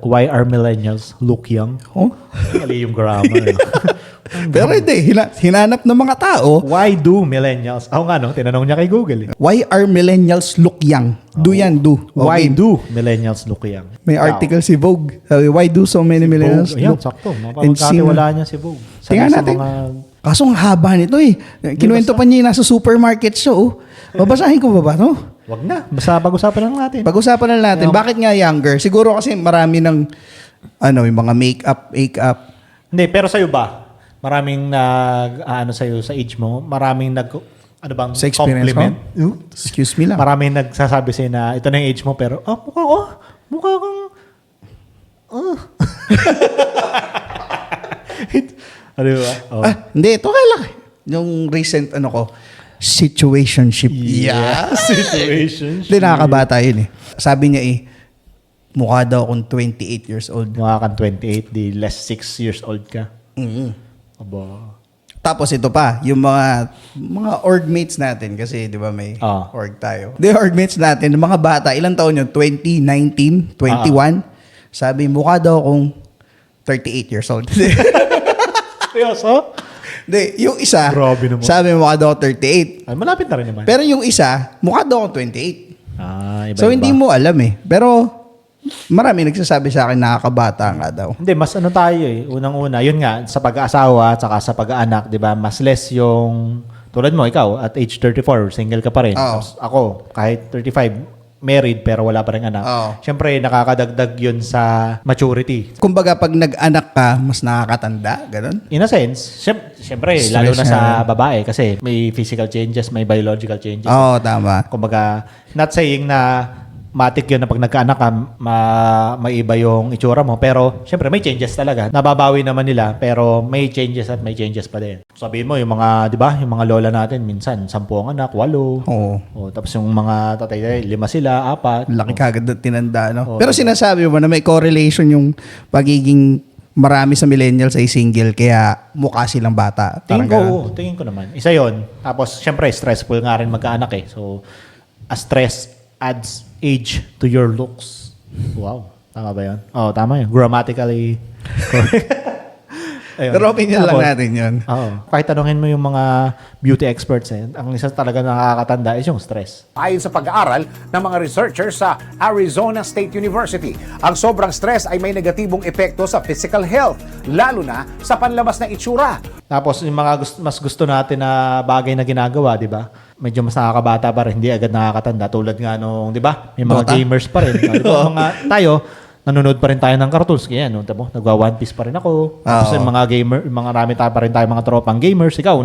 why are millennials look young? Oh? Mali yung grammar. Pero hindi, hinanap ng mga tao, Why do millennials? Ako nga, no? Tinanong niya kay Google. why are millennials look young? Do yan, do. Why Okay. do millennials look young? May article si Vogue. Sabi, why do so many millennials Vogue, ayan, look? sakto. and Mapapagkatiwala niya si Vogue. Tingnan Sa natin. mga... Kaso ang haba nito eh. Kinuwento pa niya yung nasa supermarket siya oh. Babasahin ko ba no? Wag na. Basta pag-usapan lang natin. Pag-usapan na natin, bakit nga younger? Siguro kasi marami ng, yung mga make-up. Hindi, pero sa'yo ba? Maraming sa'yo sa age mo, maraming Sa experience compliment. Excuse me lang. Maraming nagsasabi sa'yo na ito na yung age mo, pero, mukha kang, ano ba? Oh. Hindi, ito kailan. Yung recent, situationship. Situation. Hindi, nakakabata yun eh. Sabi niya mukha daw akong 28 years old. Mukha kang 28, di less 6 years old ka. Aba. Tapos ito pa, yung mga orgmates natin, kasi di ba may org tayo. The orgmates natin, yung mga bata, ilang taon yun? 20, 19, 21. Sabi, mukha daw akong 38 years old. Seryoso? Hindi, yung isa, Grabe naman. sabi mukha daw akong 38. Ay, malapit na rin naman. Pero yung isa, mukha daw akong 28. Iba-iba. So hindi mo alam eh. Pero marami nagsasabi sa akin nakakabata nga daw. Hindi, mas tayo eh. Unang-una, yun nga, sa pag-aasawa, tsaka sa pag-aanak, di ba, mas less yung, tulad mo, ikaw, at age 34, single ka pa rin. Oo. Tapos ako, kahit 35, married, pero wala pa rin anak. Oo. Siyempre, nakakadagdag yun sa maturity. Kumbaga pag nag-anak ka, mas nakakatanda, ganun? In a sense, siyempre, Stress lalo na na. sa babae, kasi may physical changes, may biological changes. Oo, tama. Kumbaga, not saying na matik yun na pag nagkaanak ka, maiba yung itsura mo. Pero, syempre, may changes talaga. Nababawi naman nila, pero may changes at may changes pa din. Sabihin mo, yung mga, di ba, yung mga lola natin, minsan, 10 ang anak, 8. Oo. O, tapos yung mga tatay, 5 sila, 4. Laki kagad na tinanda, no? Oo, Pero sinasabi mo na may correlation yung pagiging marami sa millennials ay single, kaya mukha silang bata. Tingin Parang ko, tingin ko naman. Isa yon. Tapos, syempre, stressful nga rin magkaanak eh. So, a stress adds age to your looks. Wow. Tama ba yun? Oo, tama yun. Grammatically correct. Ayun. Pero opinion lang Tapos, natin yun. Oo. Kahit tanungin mo yung mga beauty experts, ang isa talaga nakakatanda is yung stress. Ayon sa pag-aaral ng mga researchers sa Arizona State University, ang sobrang stress ay may negatibong epekto sa physical health, lalo na sa panlabas na itsura. Tapos yung mga mas gusto natin na bagay na ginagawa, di ba? Medyo mas nakakabata pa rin, hindi agad nakakatanda. Tulad nga nung, di ba? May mga Dota? gamers pa rin. Di ba? Tayo, nanonood pa rin tayo ng cartoons. Kaya, no, nagwa One Piece pa rin ako. Tapos yung mga gamer, mga rami tayo pa rin tayo mga tropang gamers. Ikaw,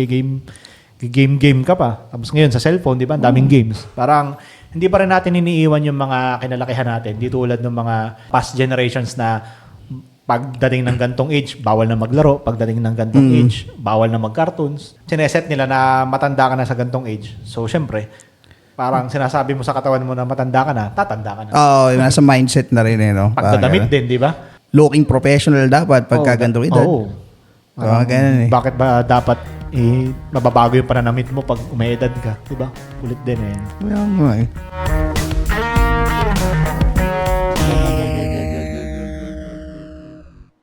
nag-game ka pa. Tapos ngayon sa cellphone, di ba? Ang daming games. Parang, hindi pa rin natin iniiwan yung mga kinalakihan natin. Di tulad ng mga past generations na pagdating ng gantong age, bawal na maglaro. Pagdating ng gantong age, bawal na mag-cartoons. Sineset nila na matanda ka na sa gantong age. So, syempre, parang sinasabi mo sa katawan mo na matanda ka na, tatanda ka na. Oo, nasa mindset na rin no? Pagdadamit din, di ba? Looking professional dapat pagka gantong edad. Oo. So, ganun eh. Bakit ba dapat mababago yung pananamit mo pag umayedad ka? Di ba? Ulit din eh. Well,